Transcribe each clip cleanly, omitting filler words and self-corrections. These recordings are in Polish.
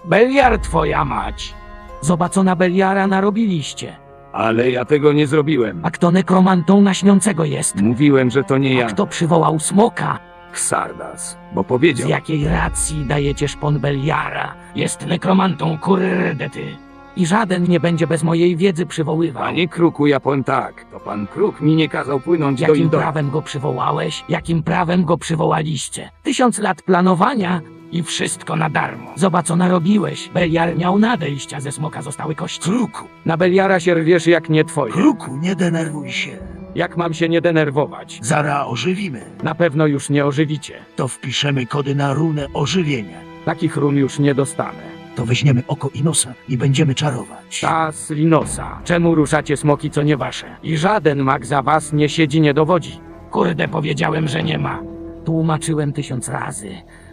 Beliar twoja mać. Zobacona Beliara narobiliście. Ale ja tego nie zrobiłem. A kto nekromantą na śniącego jest? Mówiłem, że to nie A ja. kto przywołał smoka? Xardas. Bo Z powiedział. jakiej racji dajecie szpon Beliara? Jest nekromantą, kurde ty. I żaden nie będzie bez mojej wiedzy przywoływał. Panie Kruku, ja powiem tak. To pan Kruk mi nie kazał płynąć do Jakim Indora. prawem go przywołałeś? Jakim prawem go przywołaliście? 1000 lat planowania i wszystko na darmo. Zobacz, co narobiłeś. Beliar miał nadejść, a ze smoka zostały kości. Kruku, Na Beliara się rwiesz jak nie twoje. Kruku, nie denerwuj się. Jak mam się nie denerwować? Zara ożywimy. Na pewno już nie ożywicie. To wpiszemy kody na runę ożywienia. Takich run już nie dostanę. To weźmiemy oko i nosa i będziemy czarować. Tas Linosa. Czemu ruszacie smoki, co nie wasze? I żaden mag za was nie siedzi, nie dowodzi. Kurde, powiedziałem, że nie ma. Tłumaczyłem 1000 razy.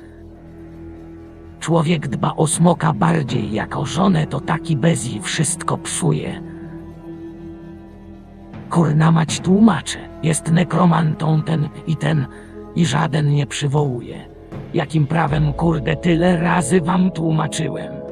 Człowiek dba o smoka bardziej jak o żonę, to taki bezji wszystko psuje. Kurna mać tłumaczę. Jest nekromantą ten i żaden nie przywołuje. Jakim prawem, kurde, tyle razy wam tłumaczyłem.